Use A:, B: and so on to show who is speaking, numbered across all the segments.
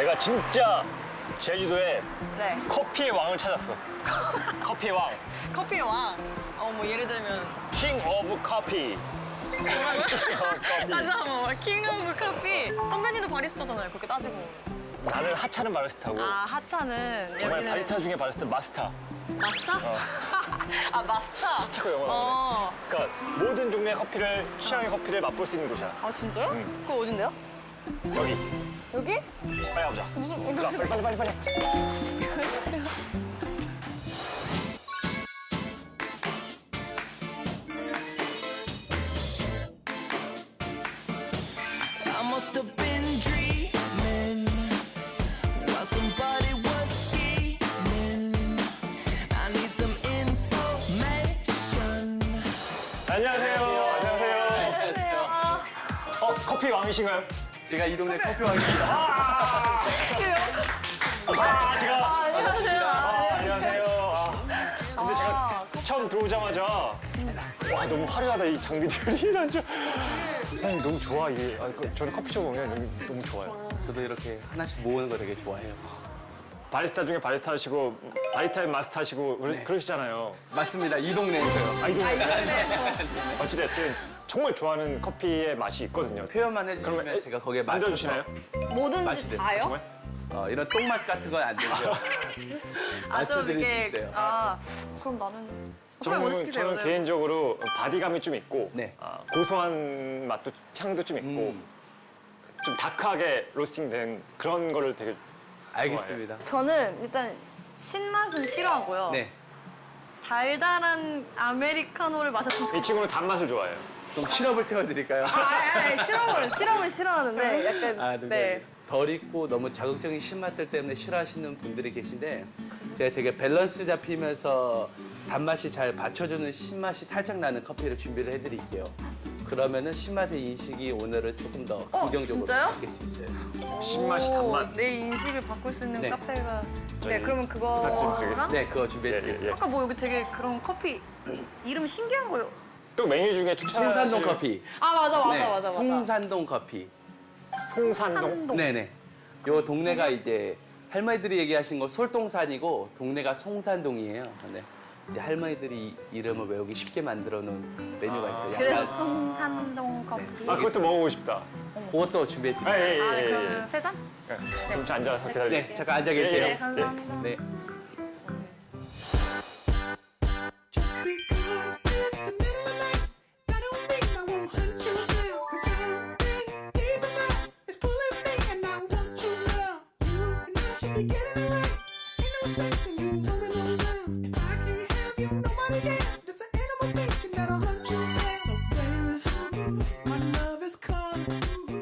A: 내가 진짜 제주도에
B: 네.
A: 커피의 왕을 찾았어. 커피의 왕.
B: 커피의 왕. 뭐 예를 들면
A: 킹 오브 커피.
B: 다시 한번 킹 오브 커피. 선배님도 바리스타잖아요. 그렇게 따지고.
A: 나는 하차는 바리스타고
B: 아 하차는
A: 정말
B: 여기는
A: 바리스타 중에 바리스타 마스터.
B: 마스터? 아 마스터.
A: 자꾸 영어로
B: 어.
A: 그러니까 모든 종류의 커피를 취향의 커피를 맛볼 수 있는 곳이야.
B: 아 진짜요?
A: 응.
B: 그거 어딘데요?
A: 여기.
B: 여기?
A: 빨리 가보자.
B: 무슨
A: 자, 빨리.
C: I must have been dreaming while somebody was scheming. I need some information.
A: 안녕하세요.
B: 안녕하세요.
A: 커피 왕이신가요?
D: 제가 이 동네 커피 왕입니다.
B: 안녕하세요.
A: 안녕하세요. 근데 제가 처음 들어오자마자 와 너무 화려하다 이 장비들이 난 너무 좋아 이게. 저는 커피숍 오면 너무 좋아요.
D: 저도 이렇게 하나씩 모으는 거 되게 좋아해요.
A: 바리스타 중에 바리스타 하시고 바리스타의 마스터 하시고 그러시잖아요.
D: 맞습니다. 이 동네에서요.
A: 아이돌. 어찌됐든 정말 좋아하는 커피의 맛이 있거든요.
D: 표현만 해주시면
A: 그러면
D: 제가 거기에
A: 만들어주시나요?
B: 뭐든지
D: 맛이 돼요.
B: 다요?
A: 정말?
D: 이런 똥맛 같은 건 안 되고요. 맞춰드릴 수 있어요.
B: 그럼 나는 커피 먼저 시키세요.
A: 저는
B: 네.
A: 개인적으로 바디감이 좀 있고
D: 네.
A: 고소한 맛도 향도 좀 있고 좀 다크하게 로스팅된 그런 거를 되게
D: 알겠습니다.
B: 저는 일단 신맛은 싫어하고요.
D: 네.
B: 달달한 아메리카노를 마셨으면
A: 이
B: 좋겠어요.
A: 친구는 단맛을 좋아해요.
D: 좀 시럽을 태워드릴까요?
B: 실험은 싫어하는데 약간
D: 아,
B: 네.
D: 덜 익고 너무 자극적인 신맛들 때문에 싫어하시는 분들이 계신데 제가 되게 밸런스 잡히면서 단맛이 잘 받쳐주는 신맛이 살짝 나는 커피를 준비를 해드릴게요. 그러면은 신맛의 인식이 오늘은 조금 더 긍정적으로
B: 진짜요?
D: 바뀔 수 있어요.
A: 신맛이 단맛.
B: 내 인식을 바꿀 수 있는
D: 네.
B: 카페가.
A: 저희
B: 네, 그러면
A: 부탁 좀
B: 그거랑
A: 드리겠습니다.
D: 네, 그거 준비해드릴게요.
B: 아까 뭐 여기 되게 그런 커피 이름 신기한 거요.
A: 또 메뉴 중에 추천하시는
D: 송산동 커피.
B: 아 맞아.
D: 네, 송산동 커피.
A: 송산동.
D: 네네. 요 동네가 이제 할머니들이 얘기하신 거 솔동산이고 동네가 송산동이에요. 네. 이제 할머니들이 이름을 외우기 쉽게 만들어 놓은 메뉴가 있어요.
B: 그래서 송산동 커피.
A: 그것도 먹어보고 싶다.
D: 그것도 준비해드릴게요.
A: 예.
B: 그러면 세 잔?
A: 좀 앉아서 기다려.
D: 네, 잠깐 앉아 계세요.
B: 네, 감사합니다.
D: 네.
C: Just because it's the middle of the night, that don't mean I won't hunt you down. 'Cause something deep inside is pulling me, and I want you now. You and I should be getting away. Ain't no sense in you running on down. If I can't have you, nobody can. There's an animal speaking that'll hunt you down. So baby, my love is calling.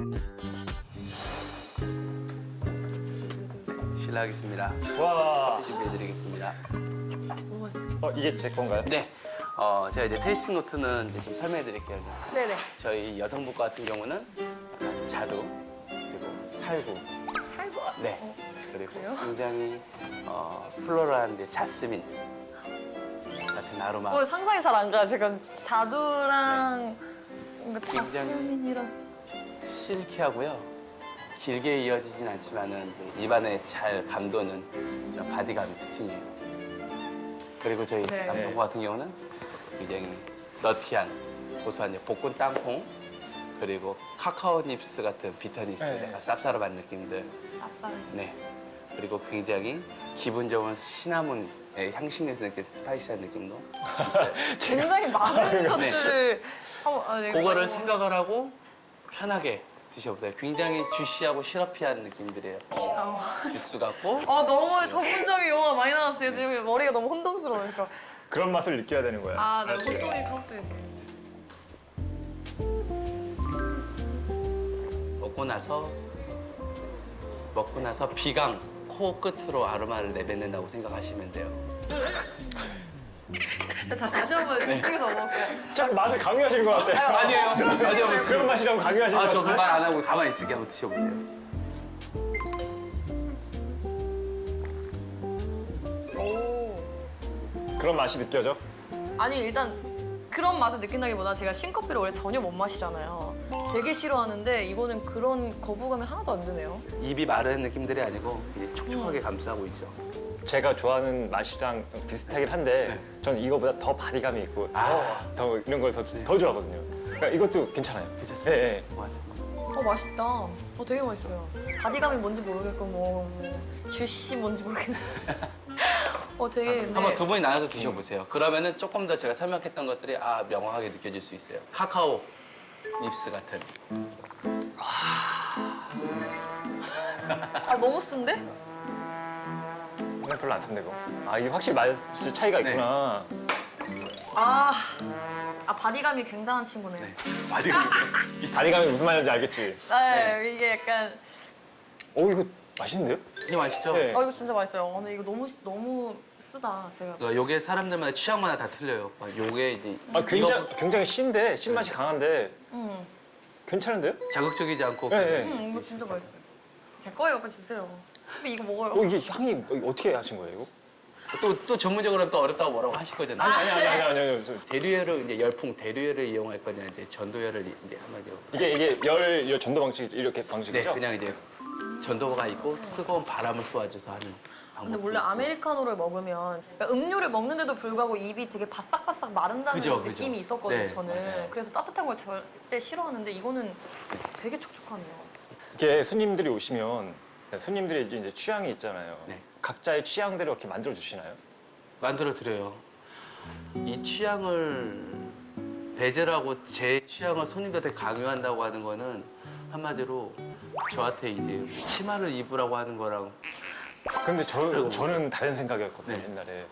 D: 실례하겠습니다.
A: 와.
D: 준비해드리겠습니다.
A: 이게 제 건가요?
D: 네. 제가 이제 테이스팅 노트는 이제 좀 설명해드릴게요.
B: 네네.
D: 저희 여성분 같은 경우는 약간 자두 그리고 살구.
B: 살구.
D: 네. 그리고
B: 그래요?
D: 굉장히 플로럴한 이제 자스민 같은 아로마.
B: 상상이 잘 안 가. 제가 자두랑 뭔가
D: 굉장히-
B: 자스민이랑.
D: 실키하고요. 길게 이어지진 않지만은 입안에 잘 감도는 이런 바디감이 특징이에요. 그리고 저희
B: 네.
D: 남성분 같은 경우는 굉장히 너티한 고소한 이제 볶은 땅콩 그리고 카카오 닙스 같은 비타니스
A: 네.
D: 약간 쌉싸름한 느낌들.
B: 쌉싸름.
D: 네. 그리고 굉장히 기분 좋은 시나몬의 향신료에서 느낀 스파이시한 느낌도 있어요.
B: 굉장히 많은 것들을 한번. 네,
D: 그거를 생각을 하고 편하게 드셔보세요. 굉장히 주시하고 시러피한 느낌들이에요. 주스 같고
B: 너무 전문적인 용어가 많이 나왔어요. 지금 머리가 너무 혼동스러우니까.
A: 그런 맛을 느껴야 되는 거야.
B: 네,
A: 그렇지.
B: 혼동이 컸어요, 지금.
D: 먹고 나서 비강 코 끝으로 아로마를 내뱉는다고 생각하시면 돼요.
B: 다시 한번 집중해서 먹을게요.
A: 자꾸 맛을 강요하시는 것 같아.
D: 아니에요.
A: 그런 맛이라고 강요하시는 것
D: 저
A: 같아.
D: 그 말 안 하고 가만히 있을게 한번 드셔보세요.
A: 그런 맛이 느껴져?
B: 아니 일단 그런 맛을 느낀다기보다 제가 신커피를 원래 전혀 못 마시잖아요. 되게 싫어하는데 이거는 그런 거부감이 하나도 안 드네요.
D: 입이 마르는 느낌들이 아니고 이제 촉촉하게 감싸고 있죠.
A: 제가 좋아하는 맛이랑 비슷하긴 한데 저는 이거보다 더 바디감이 있고 더 이런 걸 더 좋아하거든요. 그러니까 이것도 괜찮아요.
D: 괜찮습니다.
A: 예, 예.
D: 맞아.
B: 맛있다. 되게 맛있어요. 바디감이 뭔지 모르겠고 뭐 주시 뭔지 모르겠는데. 되게 근데
D: 한번 두 분이 나눠서 드셔보세요. 그러면은 조금 더 제가 설명했던 것들이 명확하게 느껴질 수 있어요. 카카오 립스 같은.
B: 너무 쓴데?
A: 그냥 별로 안 쓴데 이거. 이게 확실히 맛 차이가 있구나.
B: 바디감이 굉장한 친구네요.
D: 네.
A: 이 바디감이 무슨 말인지 알겠지?
B: 네, 이게 약간
A: 이거 맛있는데요?
D: 이게 맛있죠?
A: 네.
B: 이거 진짜 맛있어요. 근데 이거 너무 쓰다 제가.
D: 그러니까 요게 사람들마다 취향마다 다 틀려요. 요게 이제
A: 굉장히 신데 신맛이 강한데 괜찮은데요?
D: 자극적이지 않고
A: 네, 네.
B: 이거 진짜 맛있어요. 제 거예요, 빨리 주세요. 근데 이거 먹어요.
A: 이게 향이 어떻게 하신 거예요 이거?
D: 또 전문적으로 또 어렵다고 뭐라고 하실 거잖아요.
A: 아니.
D: 대류열을 이제 열풍 대류열을 이용할 거냐 이제 전도열을 이제 한마디로.
A: 이게 열 전도 방식 이렇게
D: 네,
A: 방식이죠?
D: 그냥 이제 전도가 있고 뜨거운 바람을 쏘아줘서 하는 방법.
B: 근데 원래 아메리카노를 먹으면 그러니까 음료를 먹는데도 불구하고 입이 되게 바싹바싹 마른다는
D: 그죠.
B: 느낌이 있었거든요,
D: 네,
B: 저는.
D: 맞아요.
B: 그래서 따뜻한 걸 절대 싫어하는데 이거는 되게 촉촉하네요.
A: 이게 손님들이 오시면 손님들이 이제 취향이 있잖아요.
D: 네.
A: 각자의 취향대로 이렇게 만들어 주시나요?
D: 만들어 드려요. 이 취향을 배제하고 제 취향을 손님들한테 강요한다고 하는 거는 한마디로 저한테 이제 치마를 입으라고 하는 거랑
A: 근데 저는 다른 생각이었거든요,
D: 네.
A: 옛날에.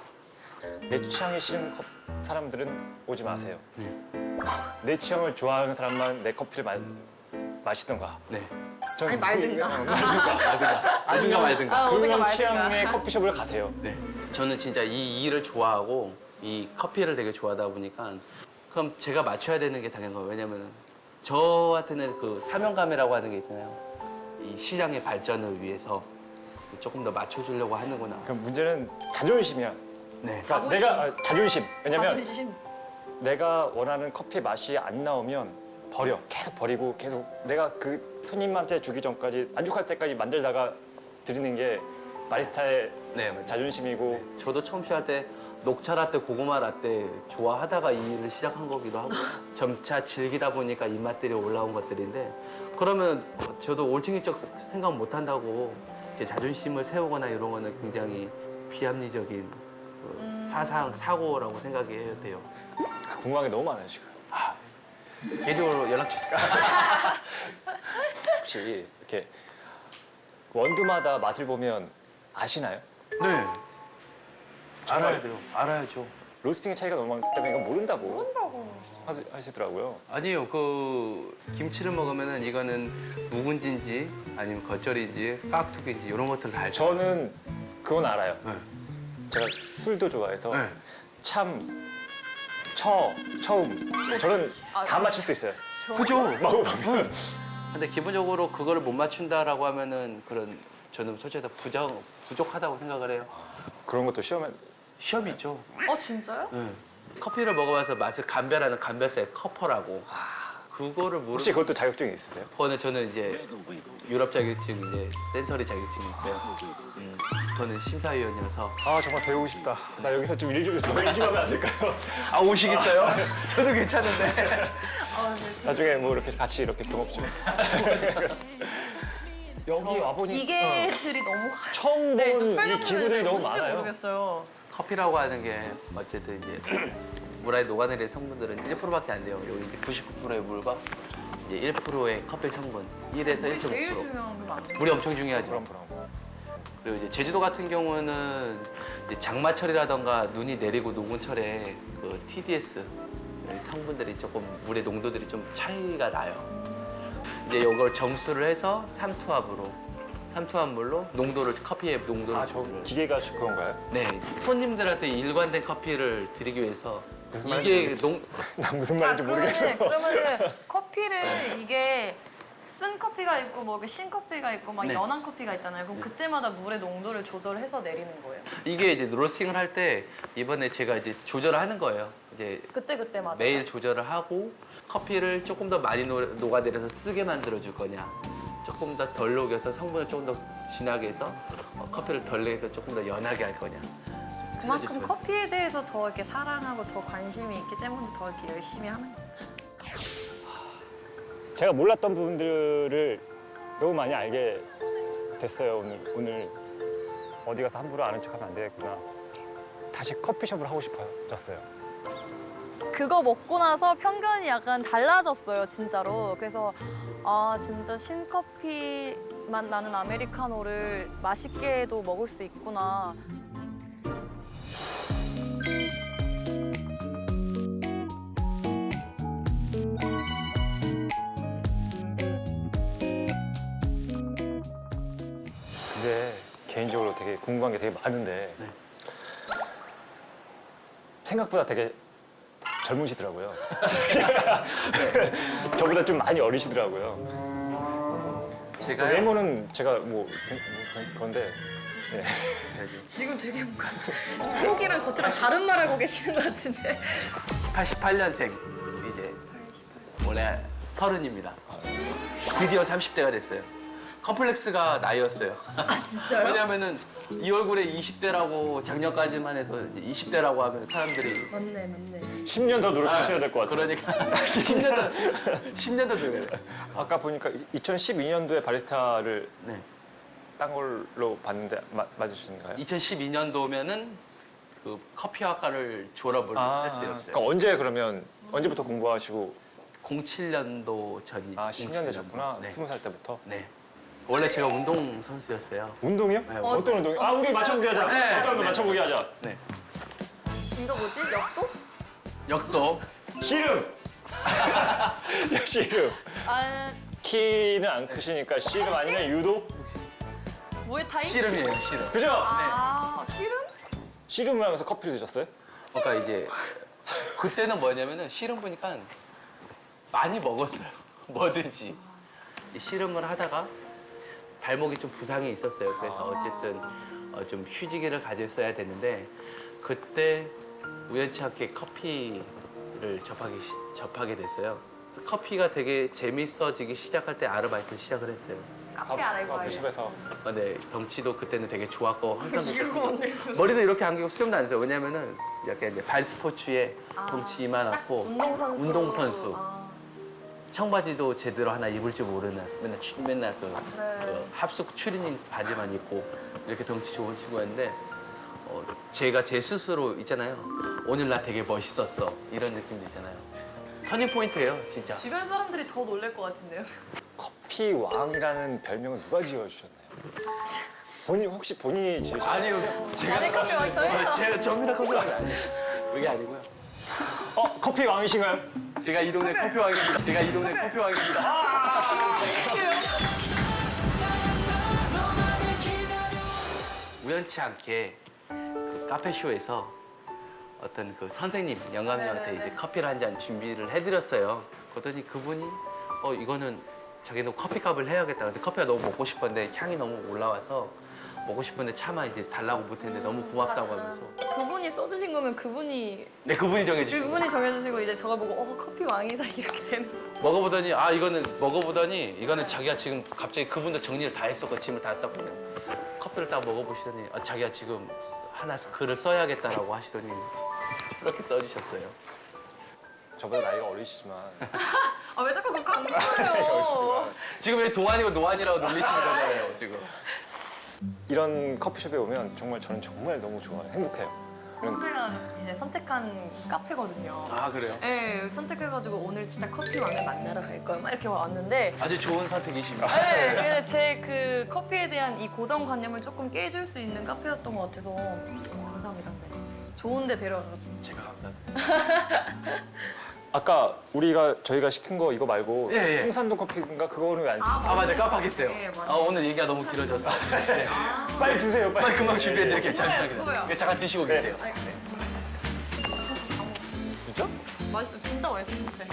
A: 내 취향이 싫은 사람들은 오지 마세요.
D: 네.
A: 내 취향을 좋아하는 사람만 내 커피를 마시던가.
D: 네.
B: 아니, 말든가.
D: 알든가
B: 어디가
A: 그런
B: 말든가.
A: 취향의 커피숍을 가세요.
D: 네. 저는 진짜 이 일을 좋아하고 이 커피를 되게 좋아하다 보니까 그럼 제가 맞춰야 되는 게 당연한 거예요. 왜냐면 저한테는 그 사명감이라고 하는 게 있잖아요. 이 시장의 발전을 위해서 조금 더 맞춰주려고 하는구나.
A: 그럼 문제는 자존심이야.
D: 네.
A: 그러니까
B: 자부심.
A: 자존심. 왜냐면
B: 자존심.
A: 내가 원하는 커피 맛이 안 나오면 버려. 계속 버리고 계속 내가 그 손님한테 주기 전까지 만족할 때까지 만들다가 드리는 게 바리스타의
D: 네.
A: 자존심이고.
D: 저도 처음 시작할 때 녹차 라떼, 고구마 라떼 좋아하다가 이 일을 시작한 거기도 하고 점차 즐기다 보니까 입맛들이 올라온 것들인데 그러면 저도 올챙이적 생각 못 한다고 제 자존심을 세우거나 이런 거는 굉장히 비합리적인 그 사고라고 생각해야 돼요.
A: 궁금한 게 너무 많아요 지금.
D: 개인적으로 연락 주세요.
A: 혹시 이렇게 원두마다 맛을 보면 아시나요?
D: 네.
A: 정말?
D: 알아야 돼요. 알아야죠.
A: 로스팅의 차이가 너무 많기 때문에 이건 모른다고
B: 모른다고.
A: 하시더라고요.
D: 아니에요. 그 김치를 먹으면은 이거는 묵은지인지 아니면 겉절인지 깍두기인지 이런 것들 다 알죠.
A: 저는 그건 알아요.
D: 네.
A: 제가 술도 좋아해서
D: 네.
A: 참, 처음 저는 다 맞출 수 있어요.
D: 그죠?
A: 먹어보면.
D: 근데 기본적으로 그거를 못 맞춘다라고 하면은 그런 저는 솔직히 부족하다고 생각을 해요.
A: 그런 것도 시험에
D: 시험이 있죠.
B: 진짜요?
D: 커피를 먹어봐서 맛을 감별하는 감별사의 커퍼라고. 그거를
A: 혹시
D: 모르고
A: 그것도 자격증이 있으세요?
D: 그거는 저는 이제 유럽 자격증 이제 센서리 자격증이 있어요. 저는 심사위원이어서
A: 정말 배우고 싶다. 나 여기서 좀 일 좀 하면 안 될까요?
D: 오시겠어요? 저도 괜찮은데.
A: 나중에 뭐 이렇게 같이 이렇게 동업 좀. 여기 와보니
B: 기계들이 너무
A: 처음
B: 네, 좀
A: 본 이
B: 설명을
A: 기구들이 너무
B: 뭔지
A: 많아요.
B: 모르겠어요.
D: 커피라고 하는 게 어쨌든 이제 물 안에 녹아내리는 성분들은 1%밖에 안 돼요. 여기 이제 99%의 물과 이제 1%의 커피 성분, 1에서
B: 물이 제일
D: 1.5%.
B: 중요한 거 맞나요?
D: 물이 엄청 중요하죠.
A: 그럼.
D: 그리고 이제 제주도 같은 경우는 이제 장마철이라던가 눈이 내리고 녹은 철에 그 TDS 성분들이 조금 물의 농도들이 좀 차이가 나요. 이제 이걸 정수를 해서 삼투압물로 농도를 커피의 농도를
A: 저 기계가 그건가요?
D: 네 손님들한테 일관된 커피를 드리기 위해서
A: 무슨
D: 이게
A: 말인지 나 무슨 말인지 모르겠어.
B: 그러면은 커피를 이게 쓴 커피가 있고 뭐 신 커피가 있고 막
D: 네.
B: 연한 커피가 있잖아요. 그럼 그때마다 물의 농도를 조절해서 내리는 거예요.
D: 이게 이제 로스팅을 할 때 이번에 제가 이제 조절을 하는 거예요. 이제
B: 그때마다.
D: 매일 조절을 하고 커피를 조금 더 많이 녹아내려서 쓰게 만들어 줄 거냐, 조금 더 덜 녹여서 성분을 조금 더 진하게 해서 커피를 덜 내서 조금 더 연하게 할 거냐.
B: 그만큼
D: 틀어줄 거냐.
B: 커피에 대해서 더 이렇게 사랑하고 더 관심이 있기 때문에 더 이렇게 열심히 하는 거예요.
A: 제가 몰랐던 부분들을 너무 많이 알게 됐어요. 오늘 어디 가서 함부로 아는 척하면 안 되겠구나. 다시 커피숍을 하고 싶어졌어요.
B: 그거 먹고 나서 편견이 약간 달라졌어요, 진짜로. 그래서 아, 진짜 신커피 맛 나는 아메리카노를 맛있게도 먹을 수 있구나.
A: 근데 개인적으로 되게 궁금한 게 되게 많은데
D: 네.
A: 생각보다 되게 젊으시더라고요. 저보다 좀 많이 어리시더라고요.
D: 제가
A: 외모는 제가 그런데 네.
B: 지금 되게 뭔가 속이랑 겉이랑 다른 말 하고 계시는 것 같은데.
D: 88년생 이제 원래 30입니다. 드디어 30대가 됐어요. 컴플렉스가 나이였어요.
B: 아, 진짜요?
D: 왜냐면은 이 얼굴에 20대라고 작년까지만 해도 20대라고 하면 사람들이
B: 맞네.
A: 10년 더 노력하셔야 될 것 같아요.
D: 그러니까 10년 더 노력해야 돼요.
A: 아까 보니까 2012년도에 바리스타를
D: 네.
A: 딴 걸로 봤는데 맞으신가요?
D: 2012년도면은 그 커피학과를 졸업을 했대였어요.
A: 그러니까 언제부터 공부하시고
D: 07년도 전이.
A: 10년 되셨구나.
D: 네.
A: 20살 때부터.
D: 네. 원래 제가 운동 선수였어요.
A: 운동이요?
D: 네,
A: 어떤 운동이요? 우리 맞춰보기 하자.
D: 네.
A: 어떤 운동
D: 네.
A: 맞춰보기 하자.
D: 네.
B: 이거 뭐지? 역도?
D: 역도.
A: 씨름! 씨름.
B: 아,
A: 키는 안 크시니까 씨름 아니면 유도?
B: 무에타이?
D: 씨름이에요, 씨름.
A: 그죠?
B: 아, 씨름?
A: 씨름을 하면서 커피를 드셨어요?
D: 그러니까 이제 그때는 뭐냐면은 씨름 보니까 많이 먹었어요. 뭐든지. 이 씨름을 하다가 발목이 좀 부상이 있었어요. 그래서 어쨌든 좀 휴지기를 가졌어야 되는데 그때 우연치 않게 커피를 접하게 됐어요. 커피가 되게 재밌어지기 시작할 때 아르바이트를 시작을 했어요.
B: 카페 아래고
A: 커피숍에서.
D: 근데 덩치도 그때는 되게 좋았고 항상
B: 이러고 만들고.
D: 머리도 이렇게 안기고 수염도 안 했어요. 왜냐면은 약간 이제 발 스포츠에 덩치 이만하고
B: 운동선수.
D: 운동선수.
B: 아,
D: 청바지도 제대로 하나 입을 줄 모르는 맨날 그
B: 네.
D: 합숙 추리닝 바지만 입고 이렇게 덩치 좋은 친구였는데 제가 제 스스로 있잖아요. 오늘 나 되게 멋있었어 이런 느낌도 있잖아요. 터닝 포인트예요 진짜.
B: 주변 사람들이 더 놀랄 것 같은데요?
A: 커피 왕이라는 별명은 누가 지어주셨나요? 혹시 본인이 지으셨나요?
D: 아니요
B: 아니, 커피 왕 저희가.
D: 제가 정민아 커피 왕이 아니에요. 그게 아니고요.
A: 커피 왕이신가요?
D: 제가 이 동네 커피 왕입니다. 제가 이 동네 커피 왕입니다. 우연치 않게 그 카페쇼에서 어떤 그 선생님, 영감님한테
B: 네네네.
D: 이제 커피를 한 잔 준비를 해드렸어요. 그랬더니 그분이 이거는 자기는 커피값을 해야겠다. 근데 커피가 너무 먹고 싶었는데 향이 너무 올라와서 먹고 싶은데 차마 이제 달라고 못했는데 너무 고맙다고 하면서.
B: 그분이 써주신 거면 그분이
D: 네, 그분이 정해주시고.
B: 그분이 정해주시고 이제 저걸 보고 커피 왕이다 이렇게 되는.
D: 먹어보더니 이거는 자기가 지금 갑자기 그분도 정리를 다 했었고 짐을 다 썼거든요. 커피를 딱 먹어보시더니 자기가 지금 하나 글을 써야겠다라고 하시더니 이렇게 써주셨어요.
A: 저보다 나이가 어리시지만
B: 아, 왜 자꾸 그거 강조해요?
D: 지금 왜 동안이고 노안이라고 놀리시는 거잖아요 지금.
A: 이런 커피숍에 오면 정말 저는 정말 너무 좋아요. 행복해요.
B: 선택한 카페거든요.
D: 아 그래요?
B: 네, 선택해가지고 오늘 진짜 커피 왕을 만나러 갈 거야 막 이렇게 왔는데
D: 아주 좋은 선택이십니다.
B: 네, 근데 제 그 커피에 대한 이 고정관념을 조금 깨줄 수 있는 카페였던 것 같아서 감사합니다. 네. 좋은데 데려와가지고.
D: 제가 감사합니다.
A: 아까 저희가 시킨 거 이거 말고
D: 예, 예.
A: 홍산동 커피인가 그거는 왜 안 주세요?
D: 아 맞네 깜빡했어요.
B: 네, 맞아요.
D: 오늘 얘기가 너무 길어져서. 네.
A: 빨리 주세요.
D: 빨리 금방 준비해드릴게요.
B: 그거예요,
D: 잠시만요.
B: 그거요.
D: 네, 잠깐 드시고 계세요.
B: 아니, 네.
A: 진짜?
B: 맛있어, 진짜 맛있었는데.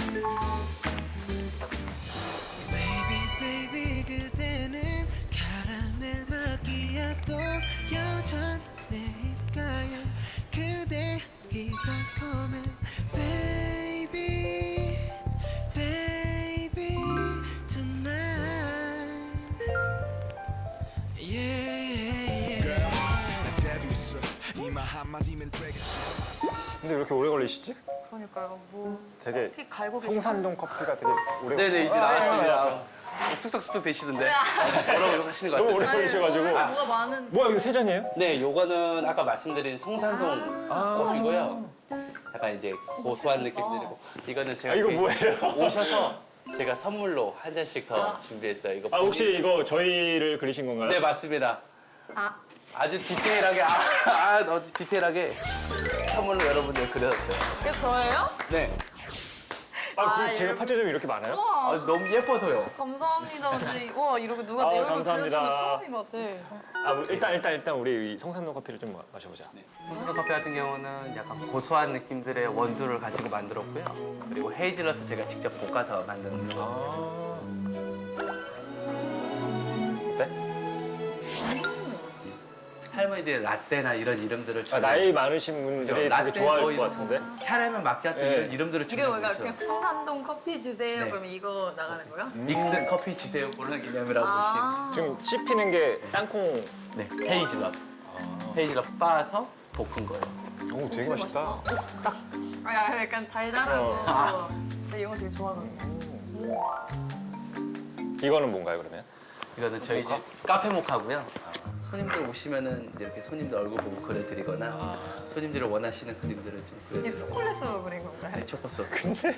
C: Baby 그대는 카라멜 마키아또 여전 내 입가에 그대 이 달콤해 Baby
A: 근데 왜 이렇게 오래 걸리시지?
B: 그러니까요. 뭐
A: 되게
B: 커피 갈고 계시나?
A: 송산동 커피가 되게 오래
D: 네네 이제 나왔습니다. 쑥덕쑥덕 되시던데 뭐라고 하시는 것
A: 너무
D: 같아요.
A: 오래 걸리셔가지고.
B: 뭐가 많은.
A: 뭐야 이거 세 잔이에요?
D: 네, 요거는 아까 말씀드린 송산동 커피고요. 약간 이제 고소한 느낌 드리고 이거는 제가
A: 이거
D: 이렇게
A: 뭐예요?
D: 오셔서 제가 선물로 한 잔씩 더 준비했어요. 이거
A: 혹시 이거 저희를 그리신 건가요?
D: 네 맞습니다. 아주 디테일하게 아주 디테일하게 선물로 여러분들 그려놨어요.
B: 그게 저예요?
D: 네,
A: 제가
B: 이렇게-
A: 파츠점이 이렇게 많아요?
B: 우와.
D: 아주 너무 예뻐서요.
B: 감사합니다. 근데 와 이렇게 누가 이런 거
A: 감사합니다.
B: 그려주는 거 처음인 것 같아.
A: 일단 우리 이 송산동 커피를 좀 마셔보자.
D: 송산동 커피 같은 경우는 약간 고소한 느낌들의 원두를 가지고 만들었고요. 그리고 헤이즐넛을 제가 직접 볶아서 만든 거.
A: 어때?
D: 할머니들 라떼나 이런 이름들을
A: 나이 많으신 분들이 되게
D: 라떼
A: 좋아할
D: 뭐
A: 것 같은데?
D: 캐러멜 마키아토
A: 네.
D: 이런 이름들을
B: 이게 뭔가
D: 준비했어요.
B: 그냥 성산동 커피 주세요.
D: 네.
B: 그러면 이거 나가는 거야?
D: 믹스 커피 주세요 그런 개념이라고
B: 아.
A: 지금 씹히는 게 땅콩.
D: 보시면 네, 헤이즐넛. 헤이즐넛 빻아서 볶은 거예요.
A: 오, 되게 맛있다.
B: 약간 달달하고. 근데 이런 거 되게 좋아하거든요.
A: 이거는 뭔가요, 그러면?
D: 이거는 저희 집 카페 모카고요. 손님들 오시면은 이렇게 손님들 얼굴 보고 그려드리거나 손님들이 원하시는 그림들을 좀
B: 이게
D: 그려드려요.
B: 초콜릿으로 그린 건가요?
D: 네, 초코 소스.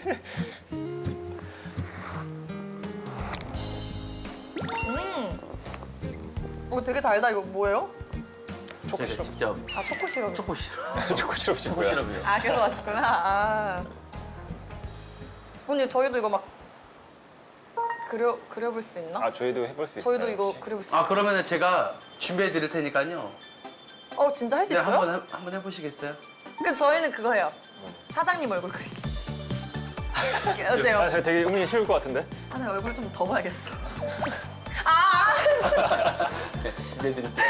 B: 되게 달다. 이거 뭐예요?
A: 초코
D: 제가
A: 시럽.
D: 직접
B: 아 초코 시럽.
D: 초코 시럽.
A: 초코 시럽
D: 초코 시럽이요.
B: 아 그래서 맛있구나. 아. 근데 저희도 이거 막 그려볼 수 있나?
A: 저희도 해볼 수 있어요.
B: 저희도 이거
A: 혹시?
B: 그려볼 수 있어요?
D: 아 그러면은 제가 준비해 드릴 테니까요.
B: 진짜 할 수
D: 네,
B: 있어요?
D: 한번 해보시겠어요?
B: 그 저희는 그거 해요. 사장님 얼굴 그리기. 어때요?
A: 되게 은근히 쉬울 것 같은데?
B: 내 얼굴 좀 더 봐야겠어.
D: 네, 준비해 드릴게요.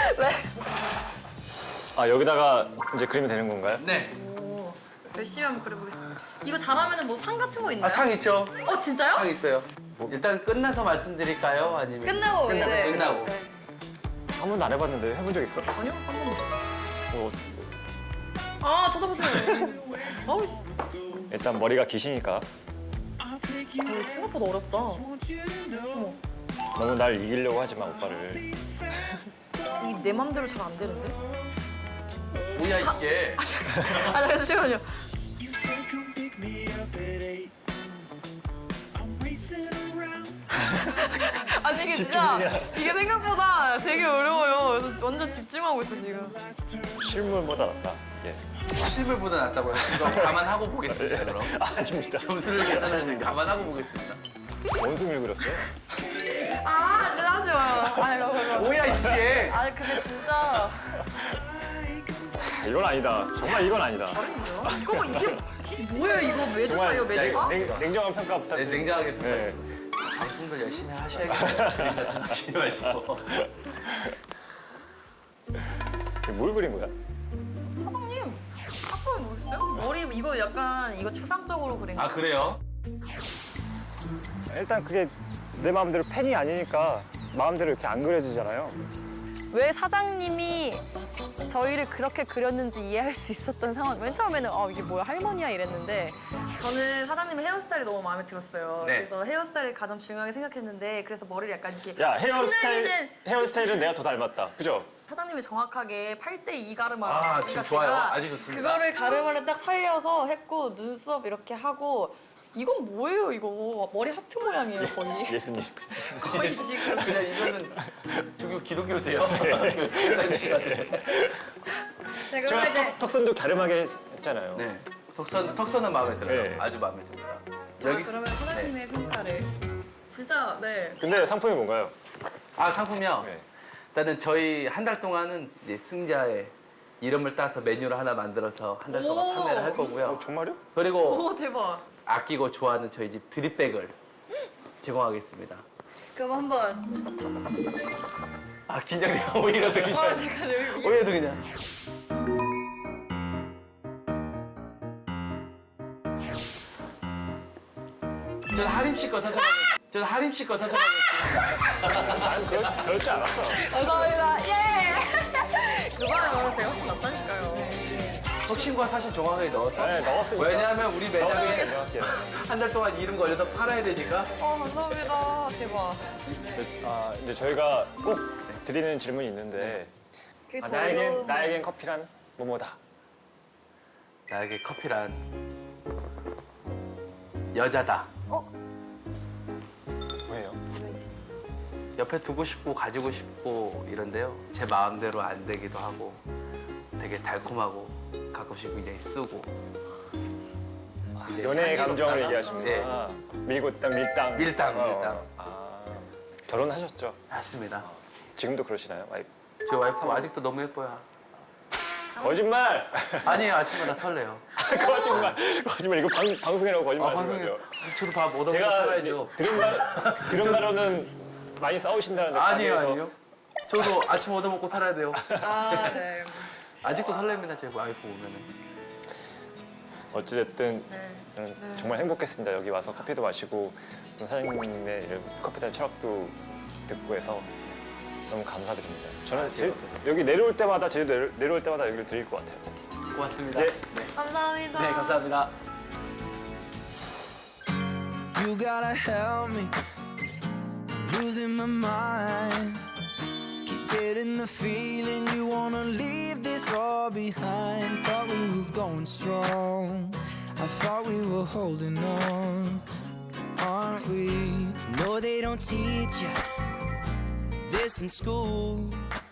B: 네.
A: 여기다가 이제 그리면 되는 건가요?
D: 네.
B: 오, 열심히 한번 그려보겠습니다. 이거 잘하면 뭐 상 같은 거 있나요?
D: 상 있죠?
B: 진짜요?
D: 상 있어요. 일단 끝나서 말씀드릴까요? 아니면
B: 끝나고 네.
D: 끝나고.
B: 네.
A: 한 번도 안 해봤는데 해본 적 있어?
B: 아니요, 한 번도. 쳐다보세요.
A: 일단 머리가 기시니까
B: 생각보다 어렵다.
A: 너무 날 이기려고 하지 마, 오빠를.
B: 이게 내 맘대로 잘 안 되는데?
D: 뭐야 이게?
B: 잠시만요.
C: You say come pick me up at 8. I'm racing around.
B: 아니 이게 진짜 이게 생각보다 되게 어려워요. 그래서 완전 집중하고 있어 지금.
A: 실물보다 낫다. 예.
D: 실물보다 낫다고요? 이거 감안하고 보겠습니다 그럼.
A: 아닙니다.
D: 점수를 계산하는 감안하고 보겠습니다.
A: 원숭이를 그렸어요?
B: 진짜 하지 마요.
D: 뭐야 이게?
B: 근데 진짜
A: 이건 아니다. 정말 이건 아니다.
B: 이거 뭐 이게 뭐예요? 이거 매주사예요, 매주사?
A: 냉정한 평가
D: 네,
A: 부탁드립니다.
D: 냉정하게
A: 네.
D: 평가했습니다. 방송도 열심히 하셔야겠네요. 그림 같은 거 쉬지 마시고.
A: 뭘 그린 거야?
B: 사장님, 아까 모르겠어요? 머리 이거 약간 이거 추상적으로 그린 거.
D: 아 그래요?
A: 일단 그게 내 마음대로 펜이 아니니까 마음대로 이렇게 안 그려지잖아요.
B: 왜 사장님이 저희를 그렇게 그렸는지 이해할 수 있었던 상황. 맨 처음에는 이게 뭐야 할머니야 이랬는데 저는 사장님의 헤어스타일이 너무 마음에 들었어요.
D: 네.
B: 그래서 헤어스타일을 가장 중요하게 생각했는데 그래서 머리를 약간 이렇게
A: 야,
B: 휘날리는
A: 헤어스타일은 내가 더 닮았다. 그죠?
B: 사장님이 정확하게 8대2 가르마를
D: 아, 지금 좋아요. 아주 좋습니다.
B: 그거를 가르마를 딱 살려서 했고 눈썹 이렇게 하고 이건 뭐예요 이거 머리 하트 모양이에요 거의
A: 예수님.
B: 거의 지금
D: 그냥 이거는 종교 기독교세요. 그 시간에.
B: 네, 그러면
A: 제가
B: 이제
A: 턱선도 갸름하게 했잖아요.
D: 네. 턱선은 마음에 들어요.
A: 네.
D: 아주 마음에 듭니다.
B: 그러면 사장님의 평가를 진짜 네
A: 근데 상품이 뭔가요?
D: 아 상품이요.
A: 네.
D: 일단은 저희 한 달 동안은 이제 승자의 이름을 따서 메뉴를 하나 만들어서 한 달 동안
B: 오.
D: 판매를 할 거고요.
A: 정말요?
D: 그리고
B: 오 대박
D: 아끼고 좋아하는 저희 집 드립백을 제공하겠습니다.
B: 그럼 한번
D: 아 긴장돼요. 오히려 더 긴장.
B: 잠깐 여기
D: 오히려 더 그냥. 저는 하림씨 거 선택하겠습니다. 저는 하림씨 거 선택하겠습니다.
A: 난 그럴 줄 알았어.
B: 감사합니다 예 그거는 제가 훨씬 낫다니까요
D: 혁신과 사실 정확하게 넣어서.
A: 네, 넣었으니까.
D: 왜냐하면 우리 매장에
A: 넣을게요.
D: 한 달 동안 이름 걸려서 팔아야 되니까.
B: 감사합니다. 대박.
A: 이제 저희가 꼭 드리는 질문이 있는데 나에겐 커피란 뭐뭐다.
D: 나에게 커피란 여자다.
A: 뭐예요?
D: 옆에 두고 싶고 가지고 싶고 이런데요. 제 마음대로 안 되기도 하고 되게 달콤하고 가끔씩 굉장히 쓰고. 굉장히
A: 연애의 감정을
D: 향기롭다나?
A: 얘기하시는구나. 밀고땅 밀당.
D: 밀당, 밀당.
A: 결혼하셨죠?
D: 맞습니다.
A: 지금도 그러시나요? 와이프?
D: 저 와이프 아직도 너무 예뻐요.
A: 거짓말!
D: 아니에요. 아침마다 설레요.
A: 거짓말. 이거 방송이라고 거짓말 하시는
D: 방송에
A: 거죠?
D: 저도 밥 얻어먹고
A: 제가
D: 살아야죠.
A: 들은 바로는 많이 싸우신다는데
D: 아니에요,
A: 가게에서.
D: 아니요. 저도 아침 얻어먹고 살아야 돼요.
B: 네.
D: 아직도 설렙니다, 제 와이프 보면은.
A: 어찌됐든
B: 네.
A: 저는 정말 행복했습니다. 여기 와서 커피도 마시고 또 사장님의 이런 커피에 철학도 듣고 해서 너무 감사드립니다. 저는 여기 내려올 때마다 제주도 내려올 때마다 여기를 드릴 것 같아요.
D: 고맙습니다.
A: 네.
B: 감사합니다.
D: 네, 감사합니다.
C: You gotta help me. I'm losing my mind. Keep getting the feeling you wanna leave this all behind. Thought we were going strong. I thought we were holding on. Aren't we? No, they don't teach you this in school.